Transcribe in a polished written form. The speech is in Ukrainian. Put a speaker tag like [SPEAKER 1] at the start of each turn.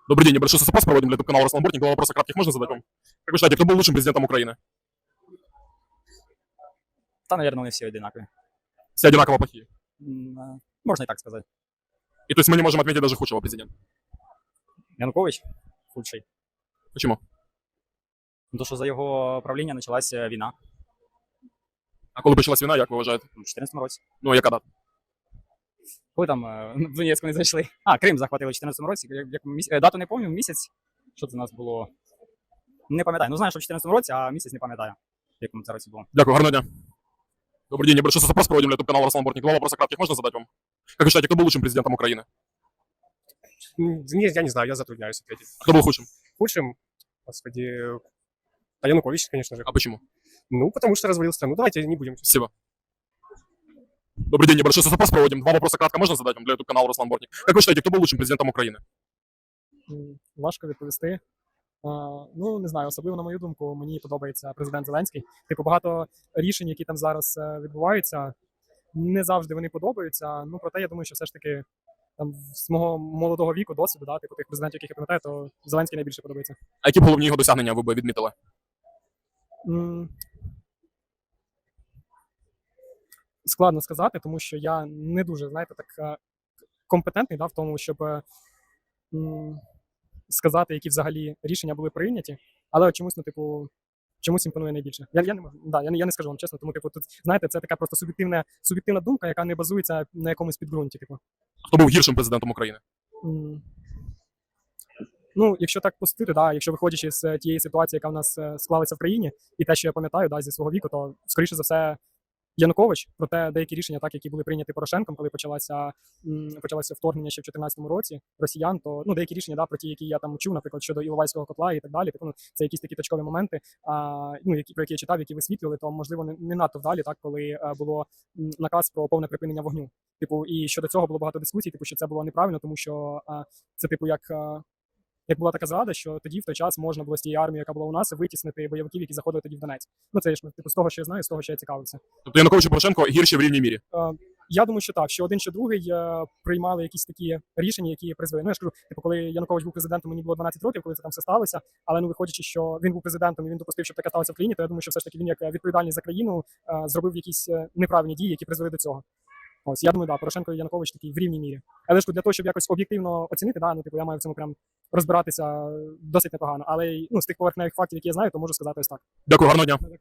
[SPEAKER 1] Добрый день, небольшой соцопрос проводим для YouTube-канала Руслан Бортник. Два вопроса кратких можно задать вам? Как вы считаете, кто был лучшим президентом Украины?
[SPEAKER 2] Та, наверное, вони всі одинакові.
[SPEAKER 1] Все одинаково плохие.
[SPEAKER 2] Можна і так сказати.
[SPEAKER 1] И то есть мы не можем отметить даже худшего президента.
[SPEAKER 2] Янукович худший.
[SPEAKER 1] Почему?
[SPEAKER 2] Тому що за його правління почалася війна
[SPEAKER 1] А коли почалась війна, як ви вважаєте?
[SPEAKER 2] у 2014 році.
[SPEAKER 1] Ну, яка дата?
[SPEAKER 2] Коли там в Донецьку не зайшли. А, Крим захватили у 2014 році. Дату не пам'ятаю, місяць. Що це у нас було? Не пам'ятаю. Ну, знаю, що в 2014 році, а місяць не пам'ятаю, в якому це році було.
[SPEAKER 1] Дякую, гарного дня. Добрый день, небольшой соцопрос проводим для YouTube-канала Руслан Бортник. Два вопроса кратких можно задать вам? Как вы считаете, кто был лучшим президентом Украины?
[SPEAKER 3] Я не знаю, я затрудняюсь ответить.
[SPEAKER 1] А кто был худшим?
[SPEAKER 3] Худшим, господи, Янукович, конечно же.
[SPEAKER 1] А почему?
[SPEAKER 3] Ну, потому что развалил страну. Давайте не будем.
[SPEAKER 1] Спасибо. Добрый день, небольшой соцопрос проводим. Два вопроса кратко можно задать вам для YouTube-канала Руслан Бортник? Как вы считаете, кто был лучшим президентом Украины?
[SPEAKER 4] Важко відповісти. Ну, не знаю, особливо на мою думку, мені подобається президент Зеленський. Типу, багато рішень, які там зараз відбуваються, не завжди вони подобаються. Ну, проте я думаю, що все ж таки там з мого молодого віку, досвіду, да, типу тих президентів, яких я пам'ятаю, то Зеленський найбільше подобається.
[SPEAKER 1] А які б головні його досягнення ви б відмітили?
[SPEAKER 4] Складно сказати, тому що я не дуже, знаєте, так компетентний, да, в тому, щоб сказати, які взагалі рішення були прийняті, але чомусь, ну, типу, чомусь імпонує найбільше. Я не можу, да, я не скажу вам чесно, тому, типу, тут, знаєте, це така просто суб'єктивна думка, яка не базується на якомусь підґрунті, типу.
[SPEAKER 1] Хто був гіршим президентом України?
[SPEAKER 4] Ну, якщо так пустити, да, якщо виходячи з тієї ситуації, яка в нас склалася в країні, і те, що я пам'ятаю, да, зі свого віку, то, скоріше за все, Янукович, проте деякі рішення, так, які були прийняті Порошенком, коли почалося вторгнення ще в 2014 році росіян, то ну, деякі рішення, да, про ті, які я там чув, наприклад, щодо Іловайського котла і так далі, типу, ну, це якісь такі точкові моменти, ну, про які я читав, які висвітлювали, то, можливо, не надто вдалі, так, коли було наказ про повне припинення вогню. Типу, і щодо цього було багато дискусій, типу, що це було неправильно, тому що це, типу, як була така зрада, що тоді в той час можна було з тієї армії, яка була у нас, витіснити бойовиків, які заходили тоді в Донець. Ну це ж типу з того, що я знаю, з того, що я цікавився.
[SPEAKER 1] Тобто Янукович і Порошенко гірші в рівній мірі?
[SPEAKER 4] Я думаю, що так, що один, що другий приймали якісь такі рішення, які призвели. Ну я ж кажу, типу, коли Янукович був президентом, мені було 12 років, коли це там все сталося. Але ну виходячи, що він був президентом і він допустив, щоб таке сталося в країні, то я думаю, що все ж таки він як відповідальний за країну зробив якісь неправильні дії, які призвели до цього. Ось, я думаю, да, Порошенко і Янукович такі в рівній мірі. Але ж для того, щоб якось об'єктивно оцінити, да, ну, типу, я маю в цьому прям розбиратися досить непогано. Але ну, з тих поверхневих фактів, які я знаю, то можу сказати ось так.
[SPEAKER 1] Дякую, гарного дня.